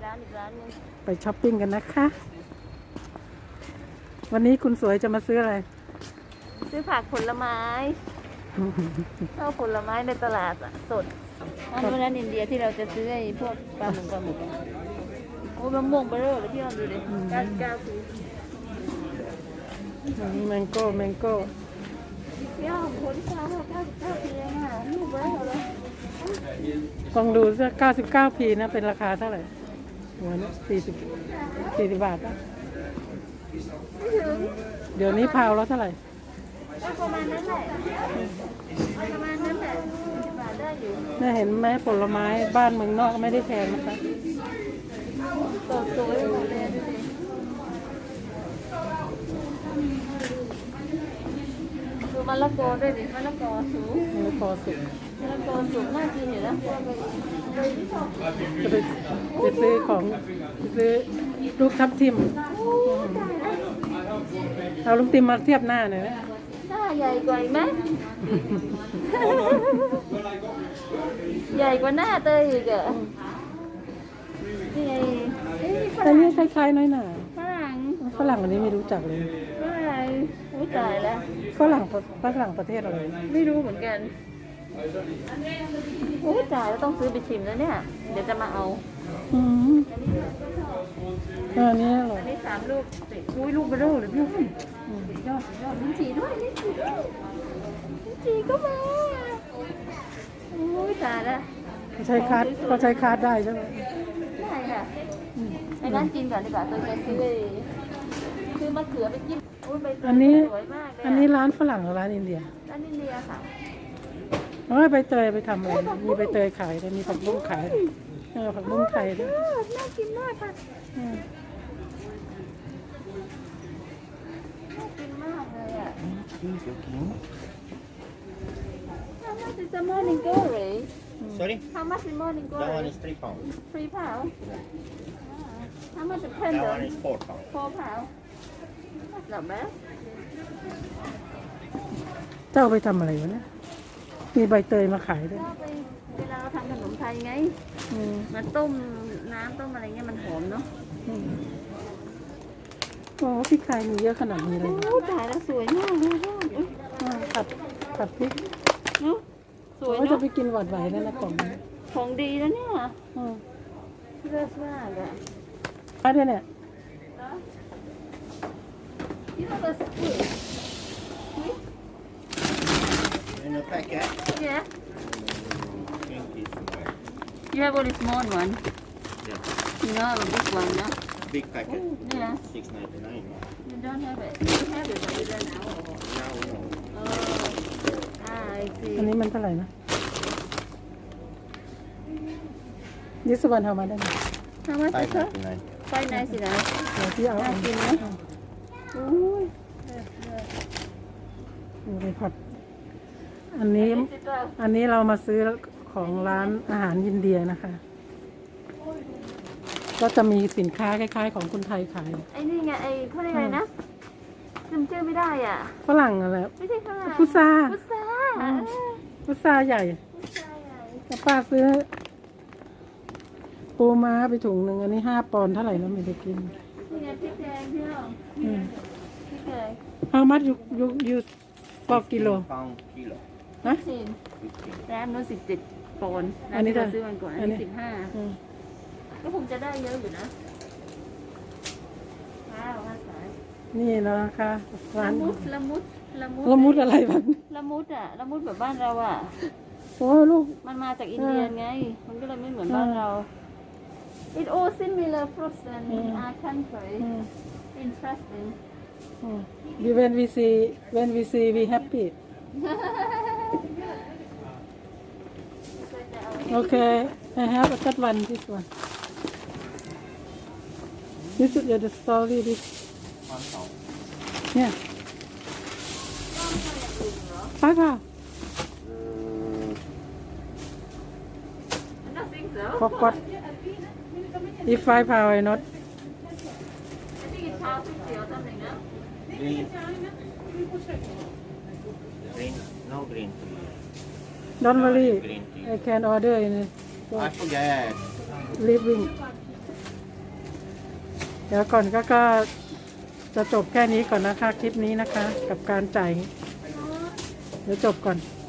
ร้านอีกร้านนึงไปช้อปปิ้งกันนะคะ วันนี้คุณสวยจะมาซื้ออะไรซื้อผักผลไม้เข้าผลไม้ในตลาดสดร้านอินเดียที่เราจะซื้อไอ้พวกปลาหมึกโอ้มะม่วงเบอร์เรอเลยพี่ออมดูดิ99 ปีแมงโก้พี่ออมคนที่เขา99 ปีเองค่ะลูกเบอร์เรอเลยลองดูสัก99 ปีนะเป็นราคาเท่าไหร่หัวนี้40 บาทนะไม่ถึงเดี๋ยวนี้พาวแล้วเท่าไหร่ก็ประมาณนั้นแหละประมาณนั้นแหละ40 บาทได้อยู่น่าเห็นไหมผลไม้บ้านเมืองนอกไม่ได้แพงนะคะสวยหมดเลยดูดิดูมะละกอด้วยดิมะละกอสูงมะละกอสุกมะละกอสูงน่ากินอยู่นะพวกเลยที่ชอบจะไปซื้อของซื้อลูกทับทิมเอาลูกทิมมาเทียบหน้าหน่อยนะหน้าใหญ่กว่าไหม ใหญ่กว่าหน้าเตยอีกอะนี่ไงแต่นี่คล้ายๆน้อยหน่าฝรั่งอันนี้ไม่รู้จักเลยอะไรโอ้ตายแล้วฝรั่งประเทศอะไรไม่รู้เหมือนกันโอ้ตายแล้วต้องซื้อไปชิมแล้วเนี่ย เดี๋ยวจะมาเอาอันนี้อร่อยอันนี้3 ลูกติดอุ้ยลูกเบอร์เรอเลยพี่ยอดลิ้นจี่ด้วยลิ้นจี่ก็มาโอ้ยตายแล้วเขาใช้คาร์ดได้ใช่ไหมได้ค่ะไปร้านกินก่อนดีกว่าตัวจะซื้อมะเขือไปกินใบเตยอันนี้สวยมากเลยอันนี้ร้านฝรั่งหรือร้านอินเดียร้านอินเดียค่ะใบเตยไปทำอะไรมีใบเตยขายมีผักบุ้งขายผักบุ้งไทยด้วยน่ากินมากค่ะน่ากินมากเลยอ่ะ How much is the morning glory? Sorry? How much is morning That one glory? is £3. 3 pounds. How much is That one pendant? is £4. 4 pounds. That's not bad. เจ้าไปทำอะไรวะเนี่ยมีใบเตยมาขายด้วยก็ไปเวลาเราทำขนมไทยไงมาต้มน้ำต้มอะไรเงี้ยมันหอมเนาะโอ้พริกไทยมีเยอะขนาดนี้เลยโอ้ตายแล้วสวยมากเลยพ่อผัดพริกเนาะสวยว่าจะเนาะไปกินหวานไหวนั่นนะกล่องนี้ของดีแล้วเนี่ยเลิศมากอะมาด้วยเนี่ย You have a spoon? In a packet, Yeah. pink is You have only small one. yeah, You know, have a big one, no? big packet, Yeah. $6.99. You don't have it. You have it, but you don't know. Now no. Oh. I see. อันนี้มันเท่าไหร่นะยิสวรรณเอามาได้ไหม How much is it? $5.99. 5.99. เดี๋ยวพี่เอาน่ากินไหมอุ้ยไปผัดอันนี้เรามาซื้อของร้านอาหารอินเดียนะคะ ก็จะมีสินค้าคล้ายๆของคนไทยขายไอ้นี่ไงไอ้เขาเรียกอะไรนะจำชื่อไม่ได้อ่ะฝรั่งอะไรไม่ใช่ฝรั่งพุทราพุทราพุทราใหญ่พุทราใหญ่แล้วป้าซื้อปูม้าไปถุงหนึ่งอันนี้5 ปอนด์เท่าไหร่แล้วไม่ได้กินนี่ไงพริกแดงพี่น้องพริกแดง How much you for kilo £15 kilo. นะสิร้านนู้น17 ปอนด์ร้าอันนนี้ที่เราเท่าซื้อวันก่อนอัอันนนี้นี้15ก็คงจะได้เยอะอยู่นะว้าวมาสายนี่นะคะร้าละนมุดละมุดอะไรบ้างละมุดอ่ะละมุดแบบบ้านเราอ่ะโอ้ลูกมันมาจากอินเดียไง มันก็เลยไม่เหมือนบ้านเรา It all similar fruits and in our country interesting when we see we happy okay I have a cut one this one this is the story this yeah ป้าค่ะ I don't think so forgot if 5 pound I not I think it's half 50 or something no Green. Green. No green tea. don't worry Green tea. I can order in I forget. living เดี๋ยวก่อนก็จะจบแค่นี้ก่อนนะคะคลิปนี้นะคะ กับการจ่ายเดี๋ยวจบก่อน